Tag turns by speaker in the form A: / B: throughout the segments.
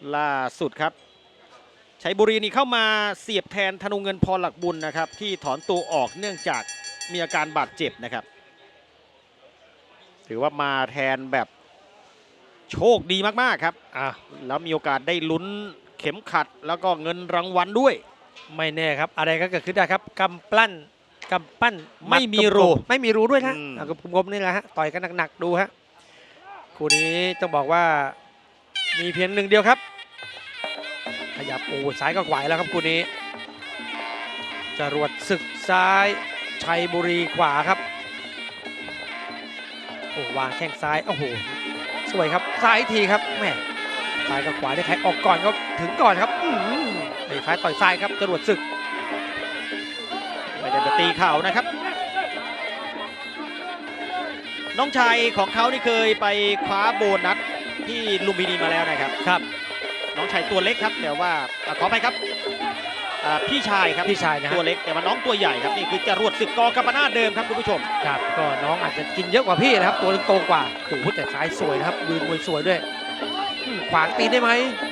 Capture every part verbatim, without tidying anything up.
A: ล่าสุดครับชัยบุรีนี่เข้ามาเสียบแทนธนูเงินพรหลักบุญนะครับที่ถอนตัวออกเนื่องจากมีอาการบาดเจ็บนะครับถือว่ามาแทนแบบโชคดีมากๆครับอ่ะแล้วมีโอกาสได้ลุ้นเข็มขัดแล้วก็เงินรางวัลด้วย
B: ไม่แน่ครับอะไรก็เกิดขึ้นได้ครับกำปั้นกำปั้น
A: ไม่มีรู
B: ไม่มีรูด้วยนะกับกลมๆนี่แหละฮะต่อยกันหนักๆดูฮะคู่นี้ต้องบอกว่ามีเพียงหนึ่งเดียวครับขยับโอ้ซ้ายก็ไหวแล้วครับคู่นี้จรวดศึกซ้ายชัยบุรีขวาครับโอ้วางแข้งซ้ายโอ้โหสวยครับซ้ายทีครับแม่ซ้ายกับขวาได้ใครออกก่อนก็ถึงก่อนครับไอ้ซ้ายต่อยซ้ายครับจรวดศึก
A: ไม่ได้จะตีเข่านะครับน้องชายของเขานี่เคยไปคว้าโบนัสที่ลุมพินีมาแล้วนะครับ
B: ครับ
A: น้องชายตัวเล็กครับแต่ว่าขอไปครับพี่ชายครับ
B: พี่ชายนะ
A: ตัวเล็กแต่ว่าน้องตัวใหญ่ครับนี่คือจรวดศึกกกัมปนาทเดิมครับคุณผู้ชม
B: ครับก็น้องอาจจะกินเยอะกว่าพี่นะครับตัวโตกว่าโอ้โหแต่ซ้ายสวยนะครับยืนมวยสวยด้วยขวางตีได้ไหม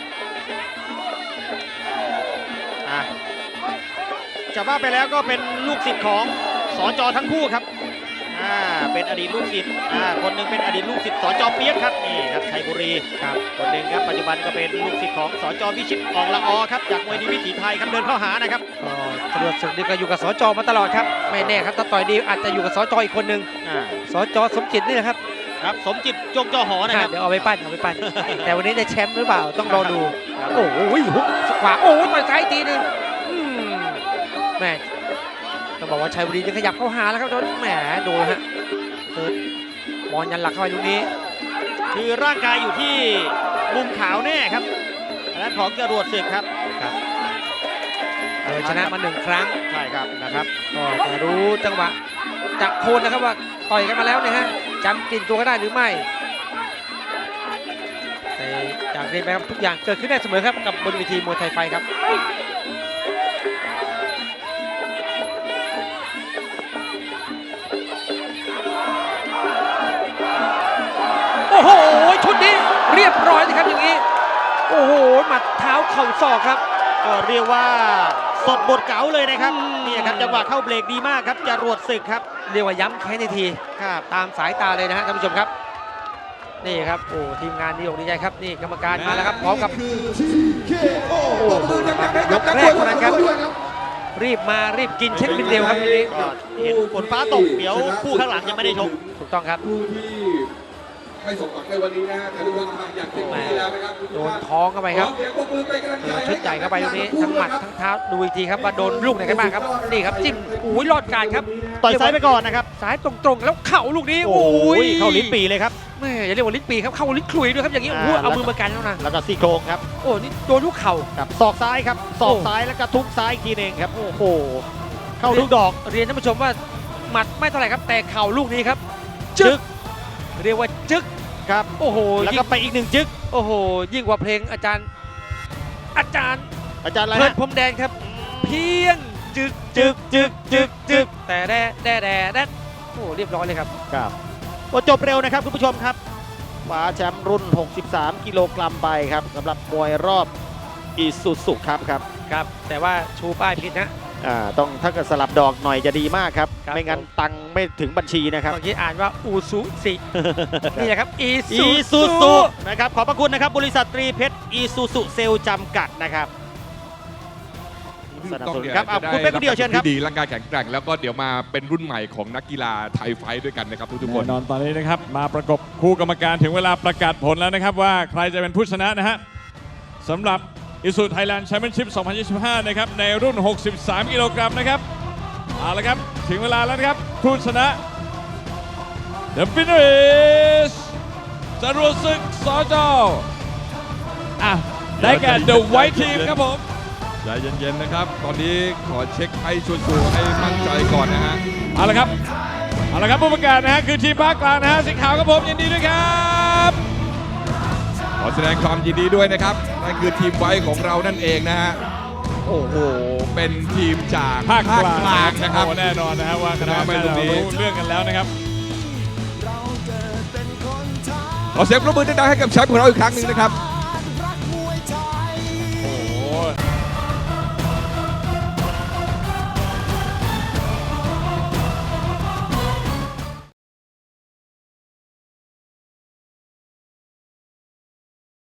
A: อ่ะจะว่าไปแล้วก็เป็นลูกศิษย์ของสจ.ทั้งคู่ครับอ่าเป็นอดีตลูกศิษย์อ่าคนหนึ่งเป็นอดีตลูกศิษย์สจ.เปี๊ยกครับนี่ครับชัยบุรีครับคนหนึ่งครับปัจจุบันก็เป็นลูกศิษย์ของสจ.วิชิตอองละออครับจากมวยดีวิถีไทยครับเดินเข้าหานะครับ
B: ก็จรวดศึกนี่ก็อยู่กับสจ.มาตลอดครับไม่แน่ครับถ้าต่อยดีอาจจะอยู่กับสจ.อีกคนหนึ่งอ่าสจ.สมจิตนี่แหละครับ
A: ครับสมจิตจงจอหอนะครับ
B: เดี๋ยวเอาไปปั้นเอาไปปั้นแต่วันนี้ได้แชมป์หรือเปล่าต้องรอดูโอ้โหหุกขวาโอ้โหต่อยซ้ายทีนึงแม่ต้องบอกว่าชัยบุรีจะขยับเข้าหาแล้วครับโดนแหมดูฮะเปิดบอลยันหลักเข้าไปลูกนี้
A: คือร่างกายอยู่ที่มุมขาวแน่ครับอันนั้นของจรวดศึกครับ
B: ครับเออชนะมาหนึ่งครั้ง
A: ใช่ครับนะครับ
B: ก็จะรู้จังหวะจับโคนนะครับว่าต่อยกันมาแล้วเนี่ยฮะจำกลิ่นตัวก็ได้หรือไม่แต่จากนี้ไปครับทุกอย่างเกิดขึ้นได้เสมอครับกับบนเวทีมวยไทยไฟครับโอ้โหชุดนี้เรียบร้อยเลยครับอย่างนี้โอ้โหหมัดเท้าเข่าศอกครับ
A: ก็เรียกว่าสดบทเก๋าเลยนะครับนี่ครับจังหวะเข้าเบรกดีมากครับจรวดศึกครับ
B: เรียกว่าย้ำแค้นในทีครับตามสายตาเลยนะฮะท่านผู้ชมครับนี่ครับโอ้ทีมงานดีอกดีใจครับนี่กรรมการมาแล้วครับพร้อมกับโอ้โหยกแรกเท่านั้นครับรีบมารีบกินเช็คบินเร็วครับทีนี้
A: เห็นฝนฟ้าตกเดี๋ยวคู่ข้างหลังยังไม่ได้ชม
B: ถูกต้องครับ
C: ไม่สมหวังในวันนี้นะฮะทะลุทางอยากเต็มที่แล้วนะครับ
B: โดนท้องเข้าไปครับชุดใหญ่เข้าไปตรงนี้ทั้งหมัดทั้งเท้าดูอีกทีครับว่าโดนลูกไหนกันบ้างครับนี่ครับจิ้มอุ้ยรอดการครับ
A: ต่อยซ้ายไปก่อนนะครับ
B: ซ้ายตรงๆแล้วเข่าลูกนี้
A: โอ้ยเข้าลิ้นปีเลยครับ
B: แม่อย่าเรียกว่าลิ้นปีครับเข้าลิ้นคลุยด้วยครับอย่างนี้โอ้เอามือมากันแล้วนะ
A: แล้วก็ซี่โครงครับ
B: โอ้นี่โดนลูกเข่า
A: กับศอกซ้ายครับศอกซ้ายแล้วก็ทุกซ้ายทีนึงครับโอ้โหเข้าลูกดอก
B: เรียนท่านผู้ชมว่าหมัดไม่เท่าไหร่ครับแต่เข่าลูกนี้ครับจึ๊กเรียกว่าจึ๊ก
A: ครับ
B: โอ้โห
A: แล้วก็ไปอีกหนึ่งจึ๊ก
B: โอ้โหยิ่งกว่าเพลงอาจารย์อาจารย์
A: อาจารย์อะไร
B: เพื่อนพรมแดงครับเพียงจึ๊กจึ๊กจึ๊กจึ๊กจึ๊กแต่แด่แด่แด่แด่โอ้เรียบร้อยเลยครับ
A: ครับก็จบเร็วนะครับคุณผู้ชมครับคว้าแชมป์รุ่นหกสิบสามกิโลกรัมไปครับสำหรับมวยรอบอีซูซุครับครับ
B: ครับแต่ว่าชูป้ายผิดนะ
A: อ่าต้องถ้าเกิดสลับดอกหน่อยจะดีมากครับไม่งั้นตังไม่ถึงบัญชีนะครับ
B: เมื่อกี้อ่านว่าอูซุสินี่แหละครับอี
A: ซูซุนะครับขอบพระคุณนะครับบริษัทตรีเพชรอีซูซุเซลล์จำกัดนะครับ
C: สนับสนุนครับคุณเป็นผู้เดียวเชิญครับดีร่างกายแข็งแกร่งแล้วก็เดี๋ยวมาเป็นรุ่นใหม่ของนักกีฬาไทยไฟด้วยกันนะครับทุกคน
D: แน่นอนตอนนี้นะครับมาประกบคู่กรรมการถึงเวลาประกาศผลแล้วนะครับว่าใครจะเป็นผู้ชนะนะฮะสำหรับอิสุไทยแลนด์แชมเปี้ยนชิพสองพันยี่สิบห้านะครับในรุ่นหกสิบสามกิโลกรัมนะครับเอาละครับถึงเวลาแล้วนะครับผู้ชนะ The winner is จรวดศึกสจ.อ่ะได้แก่ The White Team ครับผม
C: ใจเย็นๆนะครับตอนนี้ขอเช็คให้ชัวร์ๆให้มั่นใจก่อนนะฮะ
D: เอาละครับเอาละครับผู้ประกาศนะฮะคือทีมภาคกลางนะฮะสีขาวครับผมยินดีด้วยครับ
C: ขอแสดงความยินดีด้วยนะครับนั่นคือทีมไว้ของเรานั่นเองนะฮะโอ้โหเป็นทีมจาก
D: ภาคกลาง
C: นะครับ
D: แน่นอนนะครับว่าคณะกรรมการเรารู้เรื่องกันแล้วนะครับ
C: ขอเสียงปรบมือดังๆให้กับแชมป์ของเราอีกครั้งหนึ่งนะครับ